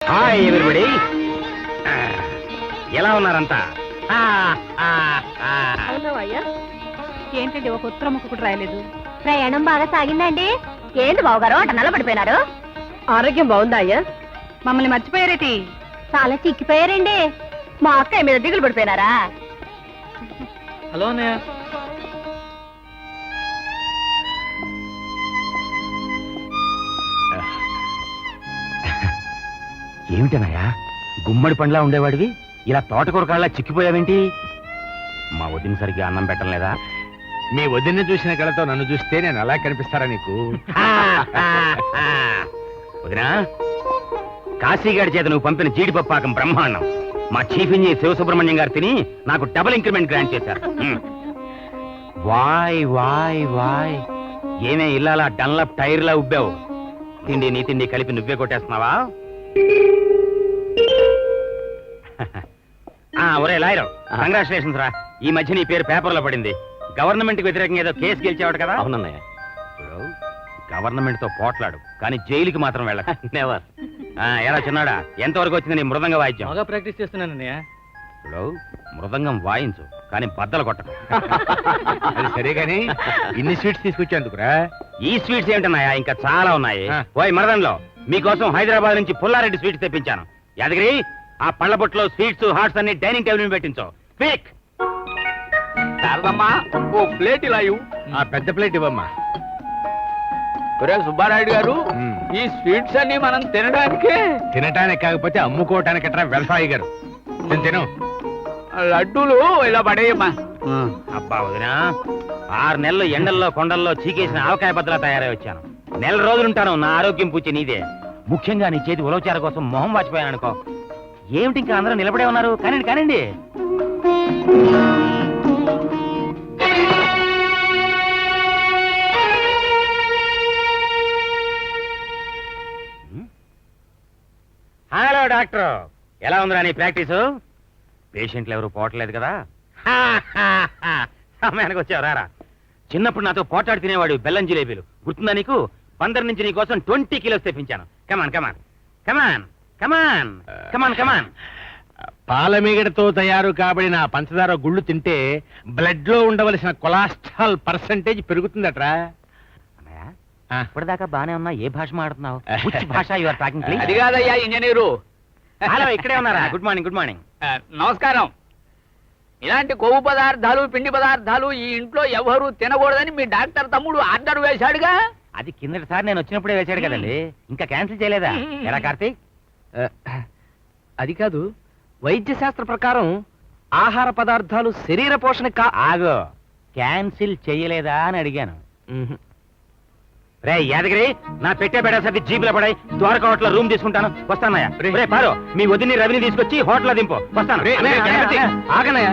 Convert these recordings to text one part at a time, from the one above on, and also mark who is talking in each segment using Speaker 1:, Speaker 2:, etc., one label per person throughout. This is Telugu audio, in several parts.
Speaker 1: Hi everybody. ఎలా ఉన్నారంతా?
Speaker 2: అవునవయ్యా, ఏంటండి ఒక ఉత్తరం కూడా రాయలేదు?
Speaker 3: ప్రయాణం బాగా సాగిందండి. ఏంటి బావగారు అట నల్లబడిపోయినారు?
Speaker 2: ఆరోగ్యం బాగుందా అయ్యా? మమ్మల్ని మర్చిపోయారేటి?
Speaker 3: చాలా చిక్కిపోయారండి. మా అక్కయ్య మీద దిగులు పడిపోయినారా?
Speaker 4: హలో అన్నయ్య.
Speaker 1: ఏమిటనయ్యా, గుమ్మడి పండ్లా ఉండేవాడివి ఇలా తోటకూర కాళ్ళ చిక్కిపోయావేంటి? మా వదిన సరిగ్గా అన్నం పెట్టడం లేదా?
Speaker 5: మీ వదిన్ని చూసిన కళతో నన్ను చూస్తే నేను అలా కనిపిస్తారా నీకు?
Speaker 1: వదినా, కాశీగాడి చేత నువ్వు పంపిన జీడిపప్పాకం బ్రహ్మాండం. మా చీఫ్ ఇంజనీర్ శివసుబ్రహ్మణ్యం గారు తిని నాకు డబుల్ ఇంక్రిమెంట్ గ్రాంట్ చేశారు. వాయ్ వాయ్ వాయ్, ఏమే ఇల్లాలా డన్లప్ టైర్లా ఉబ్బావు? తిండి నీ తిండి కలిపి నువ్వే కొట్టేస్తున్నావా? ఒరే లాయరు, కంగ్రాచులేషన్స్ రా. ఈ మధ్య నీ పేరు పేపర్లో పడింది. గవర్నమెంట్ కి వ్యతిరేకంగా ఏదో కేసు గెలిచేవాడు కదా?
Speaker 4: అవునన్నయ్య.
Speaker 1: గవర్నమెంట్ తో పోట్లాడు, కానీ జైలుకి మాత్రం వెళ్ళక. నెవర్. ఎలా చిన్నాడా, ఎంతవరకు వచ్చింది నీ మృదంగ వాయిద్యం?
Speaker 4: బాగా ప్రాక్టీస్ చేస్తున్నానన్నయ్య.
Speaker 1: ఇప్పుడు మృదంగం వాయించు, కానీ బద్దలు కొట్టకు.
Speaker 5: అది సరే గాని ఇన్ని స్వీట్స్ తీసుకొచ్చేందుకురా?
Speaker 1: ఈ స్వీట్స్ ఏమిటన్నాయా, ఇంకా చాలా ఉన్నాయి. ఓయ్ మరదంలో, మీకోసం హైదరాబాద్ నుంచి పుల్లారెడ్డి స్వీట్స్ తెప్పించాను. యాదగిరి, ఆ పళ్ళ బొట్లో స్వీట్స్ హాట్స్ అన్ని డైనింగ్ టేబుల్ మీద పెట్టించు. క్విక్.
Speaker 5: శారదమ్మా, ఓ ప్లేట్ ఇలా ఇవ్వు. ఆ పెద్ద ప్లేట్ ఇవ్వమ్మా.
Speaker 4: సుబ్బారాయుడు గారు, ఈ స్వీట్స్ అన్ని మనం
Speaker 5: తినటానికి కాకపోతే అమ్ముకోవటానికి వ్యవసాయి గారు. తిను.
Speaker 4: లడ్డూలు ఇలా పడేయమ్మా.
Speaker 1: అబ్బా వదినా, 6 నెలలు ఎండల్లో కొండల్లో చీకేసిన ఆవకాయ బద్దలా తయారై వచ్చాను. నెల రోజులుంటాను. నా ఆరోగ్యం పూచి నీదే. ముఖ్యంగా నీ చేతి ఉలవచార కోసం మొహం వాచిపోయాను అనుకో. ఏమిటి ఇంకా అందరూ నిలబడే ఉన్నారు? కానండి కానండి. హలో డాక్టర్, ఎలా ఉందిరా నీ ప్రాక్టీసు? పేషెంట్లు ఎవరు పోవట్లేదు కదా? సమయానికి వచ్చావు రారా. చిన్నప్పుడు నాతో పోటాడు తినేవాడు బెల్లం జిలేబీలు గుర్తుందా నీకు? 15 నుంచి నీ కోసం 20 కిలోస్ తెప్పించాను. కమాన్ కమాన్ కమాన్ కమాన్ కమాన్ కమాన్.
Speaker 5: పాలమీగడతో తయారు కాబడిన పంచదార గుళ్ళు తింటే బ్లడ్ లో ఉండవలసిన కొలెస్ట్రాల్ పర్సెంటేజ్ పెరుగుతుందట్రా.
Speaker 1: ఇప్పటిదాకా బానే ఉన్నా, ఏ భాష మాట్లాడుతున్నావు? భాష యు ఆర్ టాకింగ్ ప్లీజ్?
Speaker 4: అది కాదయ్యా ఇంజనీరు.
Speaker 1: హలో, ఇక్కడే ఉన్నారా? Good morning. Good morning.
Speaker 4: నమస్కారం. ఇలాంటి కొవ్వు పదార్థాలు పిండి పదార్థాలు ఈ ఇంట్లో ఎవరు తినకూడదని మీ డాక్టర్ తమ్ముడు ఆర్డర్ వేశాడుగా.
Speaker 1: అది కిందటిసారి నేను వచ్చినప్పుడే వేశాడు కదండి, ఇంకా క్యాన్సిల్ చేయలేదా? ఎలా కార్తీక్?
Speaker 6: అది కాదు, వైద్య శాస్త్ర ప్రకారం ఆహార పదార్థాలు శరీర పోషణ
Speaker 1: ఆగో, క్యాన్సిల్ చేయలేదా అని అడిగాను. రే యాదగిరి, నా పెట్టే బెడ సర్ది జీపులో పడాయి. ద్వారకా హోటల్ రూమ్ తీసుకుంటాను, వస్తానయ్యా. రే పారు, మీ వదిని రవిని తీసుకొచ్చి హోటల్ దింపు, వస్తాను.
Speaker 6: ఆగనయ్యా,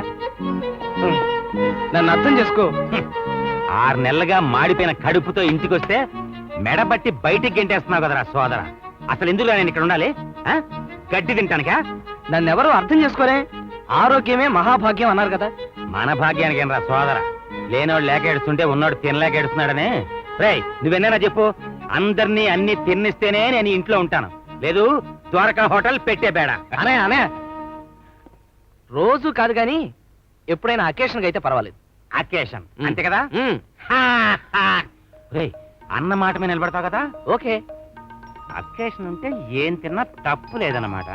Speaker 6: నన్ను అర్థం చేసుకో.
Speaker 1: 6 నెలలుగా మాడిపోయిన కడుపుతో ఇంటికొస్తే మెడబట్టి బయటికి గెంటేస్తున్నావు కదరా సోదర. అసలు ఎందుకు నేను ఇక్కడ ఉండాలి? గడ్డి తింటానికా?
Speaker 6: నన్నెవరూ అర్థం చేసుకోరే. ఆరోగ్యమే మహాభాగ్యం అన్నారు కదా.
Speaker 1: మన భాగ్యానికి ఏం రా సోదర, లేనోడు లేక ఏడుస్తుంటే ఉన్నోడు తినలేక ఏడుస్తున్నాడనే. రే నువ్వెన్నైనా చెప్పు, అందరినీ అన్ని తిన్నిస్తేనే నేను ఇంట్లో ఉంటాను, లేదు ద్వారకా హోటల్ పెట్టే బేడ.
Speaker 6: అనే అనే రోజు కాదు గాని ఎప్పుడైనా అకేషన్ అయితే పర్వాలేదు.
Speaker 1: అకేషన్ అంతే కదా? రే అన్న మాట మీద నిలబడతావు కదా?
Speaker 6: ఓకే.
Speaker 1: అకేషన్ ఉంటే ఏం తిన్నా తప్పు లేదన్నమాట.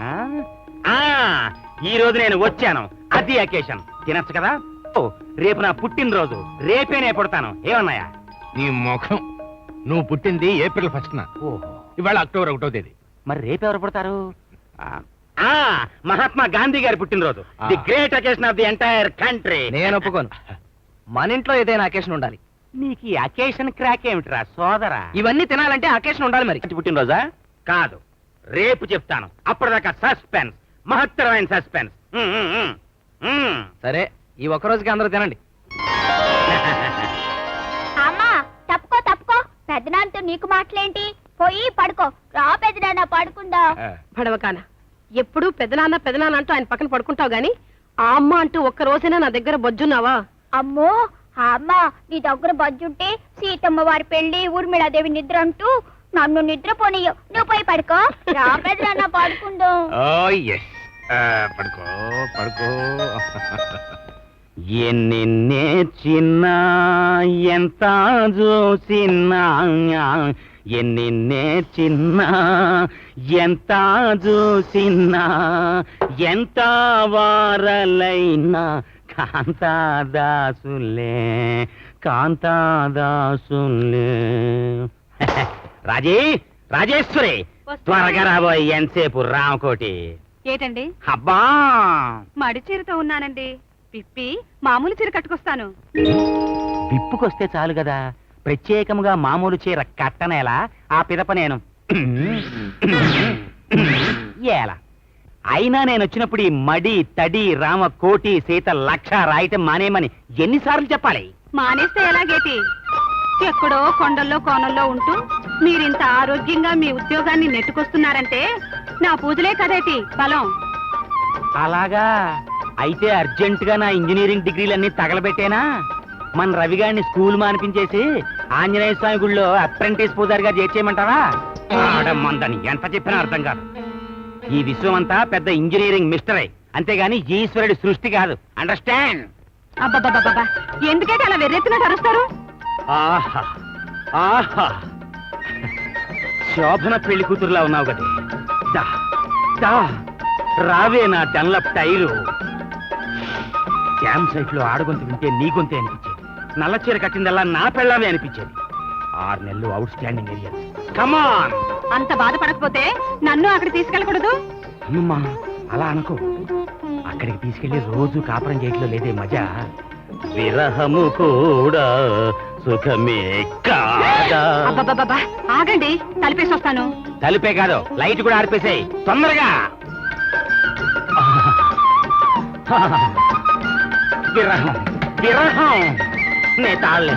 Speaker 1: ఈ రోజు నేను వచ్చాను, అది అకేషన్, తినచ్చు కదా? రేపు నా పుట్టినరోజు, రేపే నేను పుడతాను. ఏమన్నాయా?
Speaker 5: నీ ముఖం, నువ్వు పుట్టింది ఏప్రిల్ 1న.
Speaker 1: ఓహో,
Speaker 5: ఇవాళ అక్టోబర్ 1వ తేదీ.
Speaker 1: మరి రేపు ఎవరు పుడతారు? మహాత్మా గాంధీ గారి పుట్టినరోజు, the great occasion of the entire country.
Speaker 6: నేను ఒప్పుకోను. మన ఇంట్లో ఏదైనా అకేషన్ ఉండాలి.
Speaker 1: నీకు ఈ అకేషన్ క్రాక్ ఏమిట్రా సోదరా?
Speaker 6: ఇవన్నీ తినాలంటే అకేషన్ ఉండాలి. మరి
Speaker 1: పుట్టినరోజా? కాదు, రేపు చెప్తాను. అప్పటిదాకా సస్పెన్స్, మహత్తరమైన సస్పెన్స్.
Speaker 6: సరే, ఈ ఒక్కరోజుకి అందరూ తినండి.
Speaker 3: అమ్మా తప్పుకో తప్పుకో, పెద్దనాన్నతో నీకు మాటలేంటి? పోయి పడుకో. రా పెద్దనాన్న, పడుకుందా.
Speaker 2: పడవకాన ఎప్పుడు పెదనాన్న పెదనాన్న అంటూ ఆయన పక్కన పడుకుంటావు గాని, ఆ అమ్మ అంటూ ఒక్క రోజైనా నా దగ్గర బొజ్జున్నావా?
Speaker 3: అమ్మో, ఆ అమ్మ నీ దగ్గర బజ్జుంటే సీతమ్మ వారి పెళ్లి, ఊర్మిళాదేవి నిద్ర అంటూ నన్ను నిద్రపోనీయు నువ్వు పోయి పడుకో రా పెదనాన్న పడుకుందాం
Speaker 5: ఓ ఎస్ పడుకో పడుకో.
Speaker 1: ఎన్ని నేర్చిన్నా ఎంత చూసినా ఎన్ని నేర్చిన్నా ఎంత చూసినా ఎంత వారలైనా కాంతాదాసులే కాంతాదాసులే. రాజేశ్వరి త్వరగా రాబోయ్, ఎంతసేపు రామకోటి.
Speaker 2: ఏటండి
Speaker 1: అబ్బా
Speaker 2: మడి చీరతో ఉన్నానండి, పిప్పి మామూలు చీర కట్టుకొస్తాను.
Speaker 1: విప్పుకొస్తే చాలు కదా, ప్రత్యేకముగా మామూలు చీర కట్టనేలా ఆ పిదప నేను ఏలా. అయినా నేను వచ్చినప్పుడు ఈ మడి తడి రామ కోటి సీత లక్ష రాయటం మానేమని ఎన్నిసార్లు చెప్పాలి?
Speaker 2: మానేస్తే ఎలాగేటి? ఎక్కడో కొండల్లో కోనల్లో ఉంటూ మీరింత ఆరోగ్యంగా మీ ఉద్యోగాన్ని నెట్టుకొస్తున్నారంటే నా పూజలే కదేటి బలం.
Speaker 1: అలాగా అయితే అర్జెంటుగా నా ఇంజనీరింగ్ డిగ్రీలన్నీ తగలబెట్టేనా? మన రవిగాడిని స్కూల్ మానిపించేసి ఆంజనేయ స్వామి గుళ్ళో అప్రెంటిస్ పూజారిగా చేర్చేయమంటావా? ఆడమ్మందని ఎంత చెప్పినా అర్థం కాదు. ఈ విశ్వం అంతా పెద్ద ఇంజనీరింగ్ మిస్టరే, అంతేగాని ఈశ్వరుడి సృష్టి కాదు. అండర్స్టాండ్?
Speaker 2: అబ్బబ్బబ్బబ్బా, ఎందుకైతే అలా వెర్రెత్తినట్టు అరుస్తారు?
Speaker 1: ఆహా ఆహా, శోభన పెళ్లి కూతురులా ఉన్నావు కదే. దా దా రావే నా డన్లప్ టైరు. క్యాంప్ సైట్ లో ఆడగొంతు వింటే నీ గొంతే అనిపించేది, నల్ల చీర కట్టిందల్లా నా పెళ్ళామే అనిపించేది. 6 నెలలు అవుట్ స్టాండింగ్ ఏరియా. కమాన్.
Speaker 2: అంత బాధపడకపోతే నన్ను అక్కడ తీసుకెళ్ళకూడదు?
Speaker 1: అమ్మమ్మా అలా అనుకో, అక్కడికి తీసుకెళ్లి రోజు కాపురం చేయట్లో లేదే మజా. విరహము కూడా సుఖమే కాదా.
Speaker 2: అబ్బబ్బబ్బా, ఆగండి, తలిపేసి వస్తాను.
Speaker 1: తలుపే కాదు, లైట్ కూడా ఆర్పేసాయి తొందరగా. విరహం విరహం నే తాళ్ళే.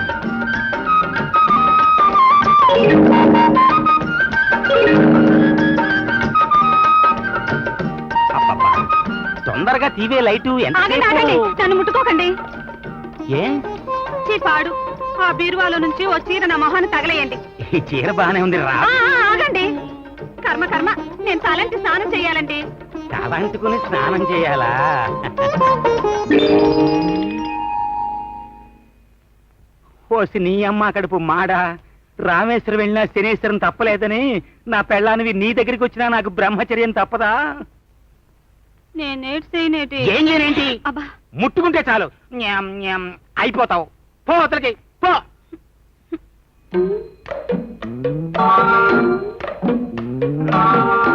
Speaker 1: అబ్బబ్బా, తొందరగా తీవే లైటు.
Speaker 2: ఆగండి ఆగండి,
Speaker 1: ఎంత
Speaker 2: నన్ను ముట్టుకోకండి.
Speaker 1: ఏ
Speaker 2: చీపాడు, ఆ బీరువాలో నుంచి ఓ చీర నా మొహాన్ని తగలేయండి.
Speaker 1: ఈ చీర బానే ఉంది రా.
Speaker 2: ఆగండి, కర్మ కర్మ, నేను తలంటి స్నానం చెయ్యాలండి.
Speaker 1: తలంటుకుని స్నానం చేయాలా? పోసి నీ అమ్మ కడుపు మాడా. రామేశ్వరం వెళ్ళినా శనేశ్వరం తప్పలేదని నా పెళ్ళానివి నీ దగ్గరికి వచ్చినా నాకు బ్రహ్మచర్యం తప్పదా?
Speaker 2: నేనేటి
Speaker 1: ఏం చేయనేంటి?
Speaker 2: అబ్బా,
Speaker 1: ముట్టుకుంటే చాలు న్యామ్ న్యామ్ అయిపోతావు. పో అతలికి పో.